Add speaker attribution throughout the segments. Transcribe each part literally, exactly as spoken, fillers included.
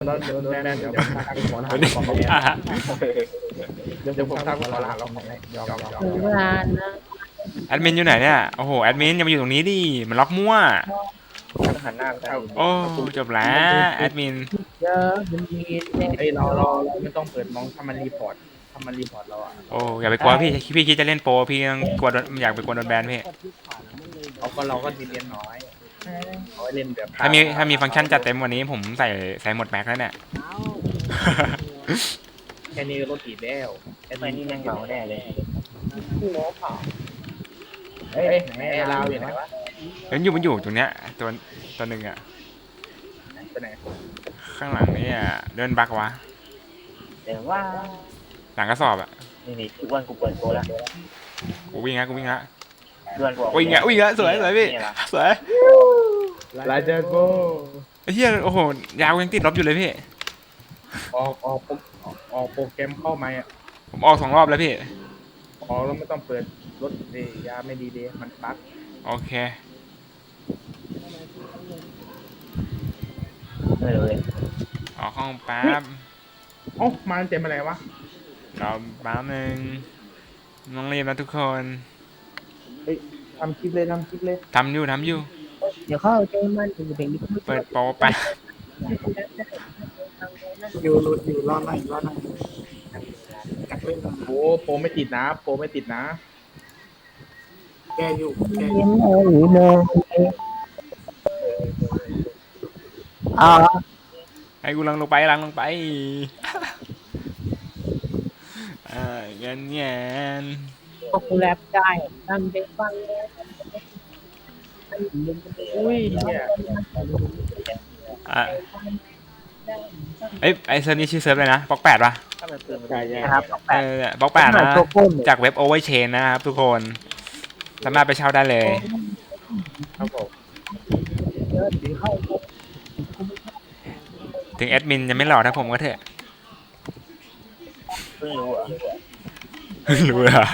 Speaker 1: แล้วเดี๋ยวแบนเดี๋ยวผมทักหัวหน้าของเขาเดี๋ยวผมทักหัวหน้าเราของให้ยอมยอมยอม
Speaker 2: ถึงเวลานะ
Speaker 3: แอดมินอยู่ไหนเนี่ยโอ้โหแอดมินอย่ามาอยู่ตรงนี้ดิมันล็อกมั่ว
Speaker 1: หันหน้าเข้า
Speaker 3: โอ้จบแล้วแอดมิน
Speaker 2: เจอมันมีแน่
Speaker 1: ไอเราเราไม่ต้องเปิดมองถ้ามันรีพอร์ตถ้ามันรีพอร์ตเราอ่ะ
Speaker 3: โอ้อย่าไปกลัวพี่พี่คิดจะเล่นโปรพี่ยังกลัวโดนอยากไปกลัวโดนแบนพี่
Speaker 1: เขาก็เราก็ดีเรียนน้อยเขาเล่นแบบ
Speaker 3: ถ้ามีถ้ามีฟังก์ชันจัดเต็มกวันนี้ผมใส่ใส่หมดแม็กแล้วเนี่ย
Speaker 1: แค่นี้ก็รถติดแล้วแค่นี้ยังเหงาแน่เลย
Speaker 2: หัวเผา
Speaker 1: เฮ้ยไหนไอเราอยู่ไหนวะ
Speaker 3: เฮ้ยอยู่มันอยู่ตรงเนี้ยตัวตัวหนึ่งอะ
Speaker 1: ไปไหน
Speaker 3: ข้างหลังนี่อะเดินบักวะ
Speaker 4: แต่ว่า
Speaker 3: หลังกระสอบอะ
Speaker 4: นี่นี่ทุกวันกูเปิดโปรแล้ว
Speaker 3: กูวิ่งละกูวิ่งละ
Speaker 4: เพื่อนกู
Speaker 3: วิ่งละวิ่งละสวยสวยพี่สวย
Speaker 1: ลาเจโก
Speaker 3: ไอ้เหี้ยโอ้โหยาวยังติดลบอยู่เลยพี่
Speaker 1: ออกออกออกโปรแกรมเข้ามาอ่ะ
Speaker 3: ผมออกสองรอบแล้วพี่
Speaker 1: ออกแล้วไม่ต้องเปิดรถเดยาไม่ดีเดมันปั๊บ
Speaker 3: โอเค
Speaker 4: ไม่รู้เลย
Speaker 3: ออกห้องแป๊บ
Speaker 1: เอ้ามาเต็มอะไรวะ
Speaker 3: รอแป๊บนึงน้องรีบนะทุกคน
Speaker 1: ทำคลิปเลยทำคลิปเลย
Speaker 3: ทำอยู่ทำอยู่
Speaker 2: เดี๋ยวเข้าใจมันถึงเป็นนิดนึง
Speaker 3: เปิดโปรไป
Speaker 5: อยู่หลุดอยู่รอดหน่อยรอดหน่อยจักเล่นมา
Speaker 1: โอ้โปรไม่ติดนะโปรไม่ติดนะ
Speaker 5: แก้อยู่แก้อ
Speaker 2: เย็
Speaker 5: ยู่
Speaker 2: นเลยหรือโมอ๋อ
Speaker 3: ให้กูลังลงไปลังลงไป อ่าเงี้ยเงี้ย
Speaker 2: พวกกูแรปได้ทำได้ฟังเลย
Speaker 1: อุ้ยเนี่ย
Speaker 3: อ่ะเอ้ยไอเซิร์ฟนี่ชื่อเซิร์ฟเลยนะบล็อกแปดปะ
Speaker 4: ถ้ามันปืนมัน
Speaker 1: ใช่ใช่
Speaker 2: นะครับ
Speaker 3: เออบล็อกแปดนะจากเว็บโอเวอร์เชนนะครับทุกคนสามารถไปเช่าได้เลย
Speaker 1: ครับผม
Speaker 2: เยอะถึงเข้า
Speaker 3: ถึงแอดมินยังไม่หล่อถ้าผมก็เถอะ
Speaker 4: เพิ่งรู้อ่ะ
Speaker 3: รู้เหรอ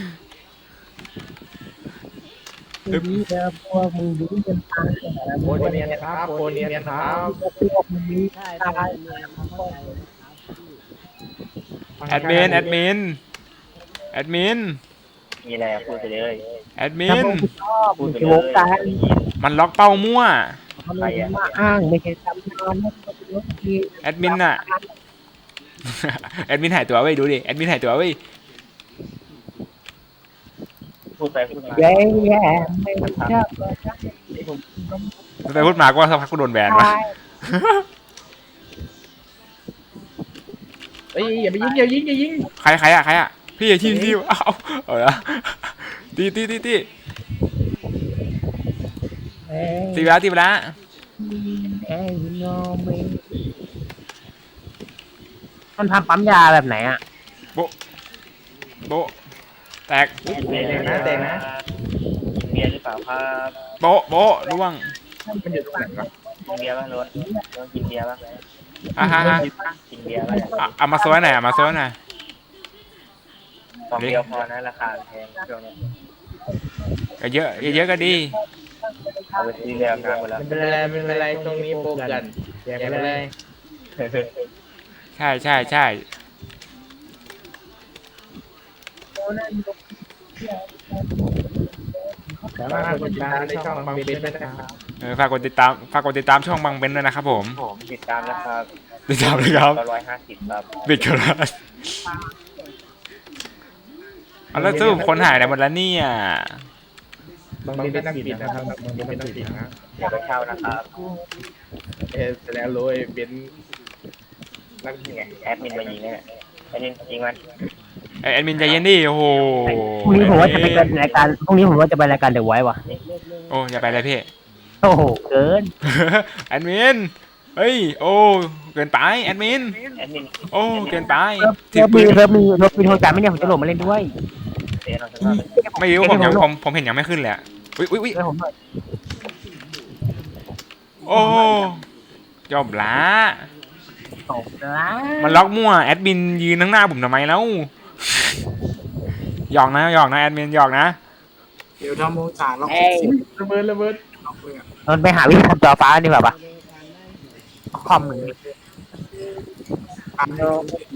Speaker 2: ดีเด้อพวกมึงดูจนตาย
Speaker 1: โปรเนียนครับโปรเนียนครับ
Speaker 2: พวกมึงมีตาย
Speaker 3: แอดมินแอดมินแอดมิน
Speaker 4: มีอะไรพูดไปเลย
Speaker 3: แอดมิ
Speaker 2: ถ้าน พวกกูชอบ
Speaker 4: พูดไป
Speaker 2: จะ
Speaker 4: เล
Speaker 2: วงการ
Speaker 4: ย
Speaker 3: มันล็อกเป้ามั่ว
Speaker 2: เขาไม่มาอ้างไม่ใช่ทำงานนะเขาเป็นรถที่
Speaker 3: แอดมินอะ แอดมินหายตัวเว้ยดูดิแอดมินหายตัวเว้ย
Speaker 4: พูดไปพูดมา
Speaker 2: แย่แย่ไม่ชอบ
Speaker 3: ไปพูดมาก็สักพักก็โดนแบนวะ
Speaker 2: ตาย
Speaker 1: เฮ้ยอย่าไปยิงอย่ายิงอย่ายิง
Speaker 3: ใครใครอะใครอะพี่อย่าทีมทีมเอาเอาละตีตีตีตี
Speaker 2: เอ้ย
Speaker 3: ตีไปแล้วตีไปแล้ว
Speaker 2: เอ้ยโนไม่มันทำปั๊มยาแบบไหนอ่ะ
Speaker 3: โบะแตก
Speaker 4: เบียร์นะแต่นะเบียร์หรือเปล่าครับ
Speaker 3: โบะโบะร่วง
Speaker 1: มันอยู่ตรงไหนวะ
Speaker 4: กินเบียร์ป่ะรถรถกินเบียร์ป่ะ
Speaker 3: อ่ะฮะฮะ
Speaker 4: กินเบียร์ป่ะ
Speaker 3: อ่ะเอามาโซ่หน่อยเอามาโซ่หน่อย
Speaker 4: กล่องเดียวพอนะราคาแพงช่วงนี้
Speaker 3: ก็เยอะเยอะก็ดี
Speaker 4: เอาไปซื้อเรือกันหมดแล้ว
Speaker 1: ไม่เป็นไรไม่เป็นไรตรงนี้โปรกันแจกไปเลย
Speaker 3: ใช่ใช่ใช่
Speaker 1: สามารถกดติดตามในช่องบางเบนได้นะครับ
Speaker 3: เออฝากกดติดตามฝากกดติดตามช่องบางเบนด้วยนะครับผม
Speaker 4: ผมติดตามนะครับ
Speaker 3: ติดตามเลยครับ
Speaker 4: ร้อยห้าสิบครับ
Speaker 3: บิดกันแล้วเอาแล้วสรุปคนหายไหนหมดแล้วเนี่ย
Speaker 1: บางเบนไม่ต้องปิดนะครับบางเบนไม่ต้องปิดนะ
Speaker 4: เดี๋ยวไปเช่านะครับ
Speaker 1: เออแสดงโรยเบนนัก
Speaker 4: นี่ไงแอดมินมายิงเนี่ยแอดมินยิงมัน
Speaker 3: ไอแอดมินใจเย็นดิโอ้โห
Speaker 2: พรุ่งนี้ผมว่าจะไปรายการพรุ่งนี้ผมว่าจะไปรายการเดอะไวท์ว่ะ
Speaker 3: โอ้อย่าไปเลยพี่
Speaker 2: โอ้โหเกิน
Speaker 3: แอดมินเฮ้ยโอ้เกินไปแอดมิน
Speaker 4: แอดมิน
Speaker 3: โอ้เกินไป
Speaker 2: เริ่
Speaker 3: ถือ
Speaker 2: ม
Speaker 3: ปื
Speaker 2: มี
Speaker 3: น
Speaker 2: เริ่มมีเริ่มมีโทรศัพท์ไม่เนี่ยผมจะโหลดมาเล่นด้วย
Speaker 4: เดี๋ยวเราจะมาเป็น
Speaker 3: ไม่รู้ผมยังผมผมเห็นยังไม่ขึ้นเลยอะอุ้ยอุ้ยอุ้ย
Speaker 2: เล่นผมหน่อย
Speaker 3: โอ้จบละ
Speaker 2: ตกละ
Speaker 3: มันล็อกมั่วแอดมินยืนข้างหน้าผมทำไมแล้วหยอกนะหยอกนะแอดมินหยอกนะ
Speaker 5: เดี๋ยวทำโมงสารเรา
Speaker 2: เอ้ย
Speaker 1: ระเบิดระเบิด
Speaker 5: เอาเลยอ่ะ
Speaker 2: นนไปหาวิธีทำจอฟ้าดีกว่าปะคอมหนึ่ง
Speaker 5: อ่านเยอะ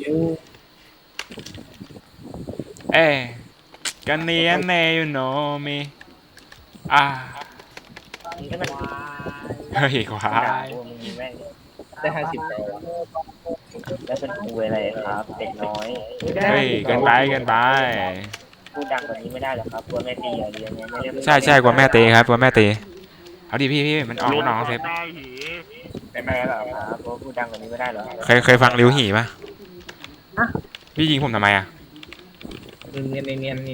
Speaker 3: เอ้กันเนียนเนยูโนมีอ่า
Speaker 4: นี่มัน
Speaker 3: เฮ้ยควา
Speaker 4: ด่าย พวกมึงมีแม่งได้ห้าสิบแล้วแล้วเป็นครูอะไรครับ เด็กน้อย
Speaker 3: เฮ้ยเกินไปเกินไป
Speaker 4: พูดดังกว่านี้ไม่ได้หรอครับกลัวแม่ตีอย่าเรียนเนี่ยไม่เรียก
Speaker 3: ใช่ใช่กลัวแม่ตีครับกลัวแม่ตีเอาดิพี่พี่มันออกมันออกเซฟ
Speaker 4: เป็นแม่หรอครับเพราะพูดดังกว่านี้ไม่ได้หรอ
Speaker 3: เคยเคยฟังริวหีป่ะพี่ยิงผมทำไมอ่ะ
Speaker 1: เนียนเนียนเนียนเนียน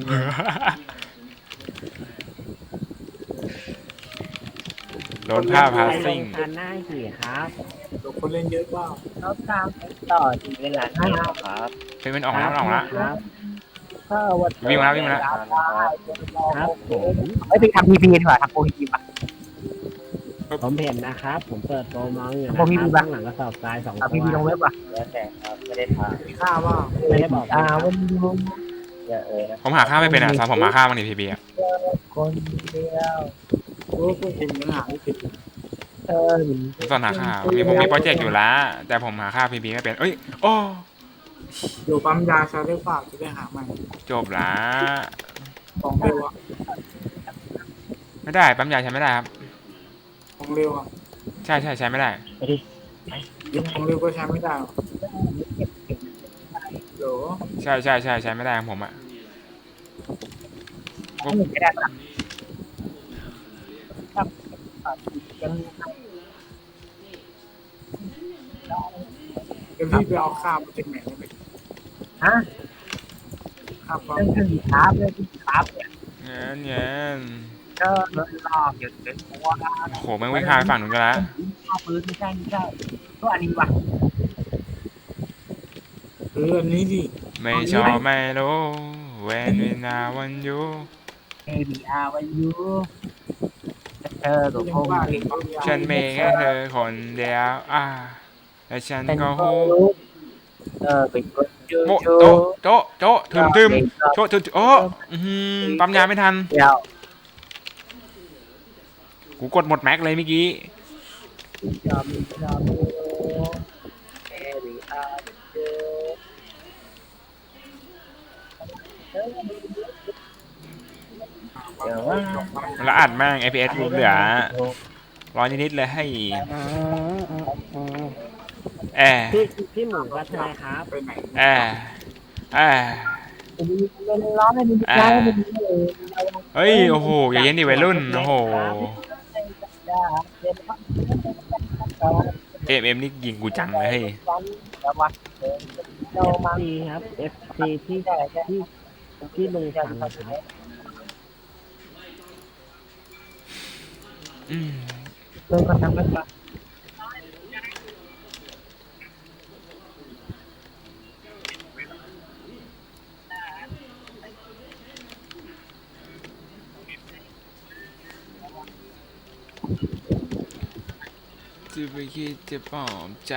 Speaker 3: โดนผ้าพาซิ่ง
Speaker 2: ทันหน้าขี่ครับ
Speaker 5: ตัวคนเล่นเยอะเปล่า
Speaker 2: เขาตามต่อ
Speaker 4: เวลาเที่ยวครับ
Speaker 3: เฮ้ยมันออกแล้วมันออกแล้ว
Speaker 2: ครับก็วัน
Speaker 3: วิ่งมาแล้ววิ่งมาแล้ว
Speaker 2: ครับผมไม่ไปทำพีพีดีกว่าทำโปรพีพีป่ะผมเห็นนะครับ ผมเปิดโปรมองอยู่นะครับข้างหลังกระสอบทรายสองตัวทำพีพีลงเว็บป่ะ
Speaker 4: แล้วแต่ครับไม่ได้ถาม
Speaker 5: มีค่าว่า
Speaker 2: ไม่ได้บอกอ่าวันนี้
Speaker 4: อย่าเออนะ
Speaker 3: ผมหาค่าไม่เป็นอ่ะสอนผมหาค่าบ้างดิพี่บีอ่ะ
Speaker 2: คนเดียว
Speaker 5: โอ้พวกคุณยังหาไม่ติด
Speaker 2: เออ
Speaker 3: ผมสอนหาค่ามีผมมีโปรเจกต์อยู่แล้วแต่ผมหาค่าพี่บีไม่เป็นเอ้ยโอ้
Speaker 5: อยู่ปั๊มยาใช้ได้ฝากจะได้หาใหม่
Speaker 3: จบละ
Speaker 5: ของเร็วอ่ะ
Speaker 3: ไม่ได้ปั๊มยาใช้ไม่ได้ครับ
Speaker 5: ของเร็วอ่ะ
Speaker 3: ใช่ใช่ใช้ไม่ได้
Speaker 5: ของเร็วก็ใช้ไม่ได้หรอกเดี๋ยว
Speaker 3: ใช่ใช่ใช่ใช้ไม่ได้ของผมอ่ะ
Speaker 2: ไม่ได้ครับ
Speaker 5: เดี๋ยวพี่ไปเอาข้าวมาจากไหนได้ไหม
Speaker 2: ฮะ
Speaker 5: ข้าวปั๊ม
Speaker 2: เรื่องที่ครับเรื่องที่ครับเนี่ย
Speaker 3: เงี้ยเงี้ย
Speaker 2: ก็รถลอกอยู่เป็นตัว
Speaker 3: โอ้โหแม่งวิ่งข้ามไปฝั่งนู้นกันละ
Speaker 2: ข้าวปืนไม่ใช่ไม่ใช่ก็อันนี้ว่ะ
Speaker 5: เอออันนี้ดิ
Speaker 3: ไม่ชอบไม่รู้ when we now want you
Speaker 2: เอบีอาร์วันยูเธอกับ
Speaker 5: ยั
Speaker 2: ผ
Speaker 5: ง
Speaker 2: ม
Speaker 5: ว่าเด็กปั๊มยา
Speaker 3: ฉันมีแค่เธอคนเดียวอ่าและฉัน
Speaker 2: เป็น
Speaker 3: ก็
Speaker 2: ค
Speaker 3: ฮู้
Speaker 2: นรู้เออเป็นคนจู
Speaker 3: โม
Speaker 2: จู
Speaker 3: โตะโตะโตะถึมถึมโตะถึมโอ้อื้อหือปั๊มยาไม่ทัน
Speaker 2: เดียว
Speaker 3: กูกดหมดแม็กเลยเมื่อกี้
Speaker 2: จอมจอมเอบีอาร์จู
Speaker 4: เดี๋ยวว่า
Speaker 3: แล้วอัดแม่ง เอ พี เอส เหลือร้อยนิดๆเลยให้แอร์
Speaker 2: พี่พี่หมูก็ใช่ครับ
Speaker 5: ไปไหน
Speaker 3: แอร์แอร์
Speaker 2: เป็นร้อนเลยมี
Speaker 3: แอร์เฮ้ยโอ้โหอย่าเย็นดิวัยรุ่นโอ้โหเอ็มเอ็มนี่ยิงกูจังเลยเฮ้ย
Speaker 2: เรามาดีครับ เอฟ ซี ที่ที่ที่ลุงฟังครับ
Speaker 3: อืม
Speaker 2: ลุงก็ทำกันปะ
Speaker 3: จะไปคิดจะปลอบใจ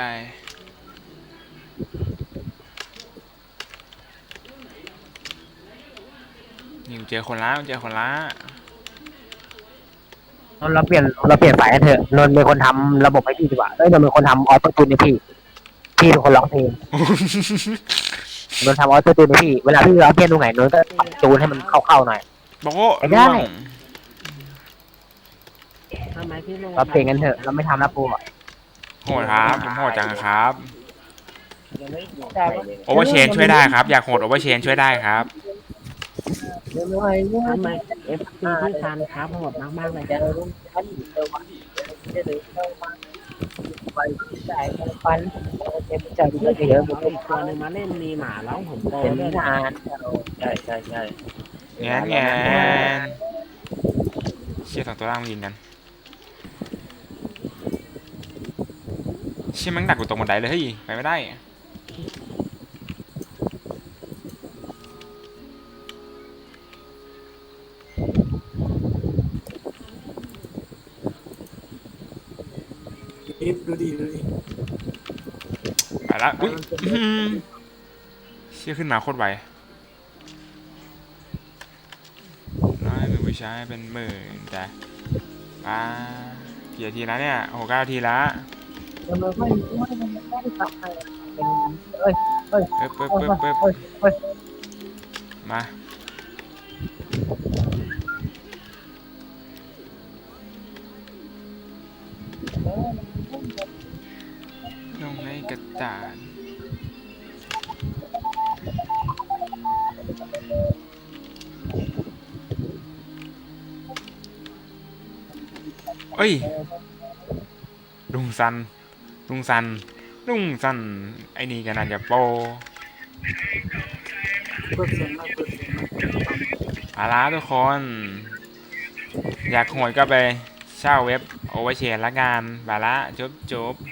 Speaker 3: นี่กูเจอคนละกูเจอคนละ
Speaker 2: เราเปลี่ยนเราเปลี่ยนสายกันเถอะนนท์เป็นคนทำระบบให้พี่ดีกว่าเอ้ยนนท์เป็นคนทำออโต้จูนให้พี่พี่เป็นคนร้องเพลงนนท์ทำออโต้จูนให้พี่เวลาพี่ร้องเพลงตรงไหนนนท์ก็ปรับจูนให้มันเข้าๆหน่อย
Speaker 3: บอกว่า
Speaker 2: ไม่ได้
Speaker 3: ร่วง
Speaker 2: เราเพลงกันเถอะเราไม่ทำนะปูอะ
Speaker 3: โหดครับผมโหดจังครับ
Speaker 4: ยังไม่ดูใครเลย
Speaker 3: โอเวอร์เชนช่วยได้ครับ อยากโหดโอเวอร์เชนช่วยได้ครับ
Speaker 2: ทำไมเอฟซีที่ทานครับโหดมากๆเลยครับฟันจะดูเยอะผมอีกตัวนึงมาเล่นมีหมาแล้วผมโตเป็นนาน
Speaker 4: ใช่ใช่ใช่
Speaker 3: แงนแงนเชี่ยสองตัวล่างมายิงกันเชี่ยแมันดักกูตรงบันไดเลยเฮ้ยไปไม่ได้
Speaker 5: อีฟดูดิดูดิ
Speaker 3: ไปละอุ้ยอื้อหือเชี่ยขึ้นมาโคตรไวน้อยเป็นผู้ชายเป็นหมื่นแต่ป้ากี่นาทีแล้วเนี่ยโอ้โหเก้านาทีละ
Speaker 2: เราไม่เอ้ยเอ้ย
Speaker 3: เปิ๊บ
Speaker 2: เอ้
Speaker 3: เปิ๊
Speaker 2: ย
Speaker 3: บเปิ๊บเปิ๊บ
Speaker 2: เอ้ยเอ้ย
Speaker 3: มาลงในกระดาษเอ้ยลุงซันลุงซันลุงซันไอ้นี่ก็น่าจะโปร
Speaker 5: เปิดเสียงหน่อยเปิดเสียงหน่อย
Speaker 3: เอาละทุกคน อยากโหดก็ไปเช่าเว็บโอเวอร์เชนละกันบาละจบจบ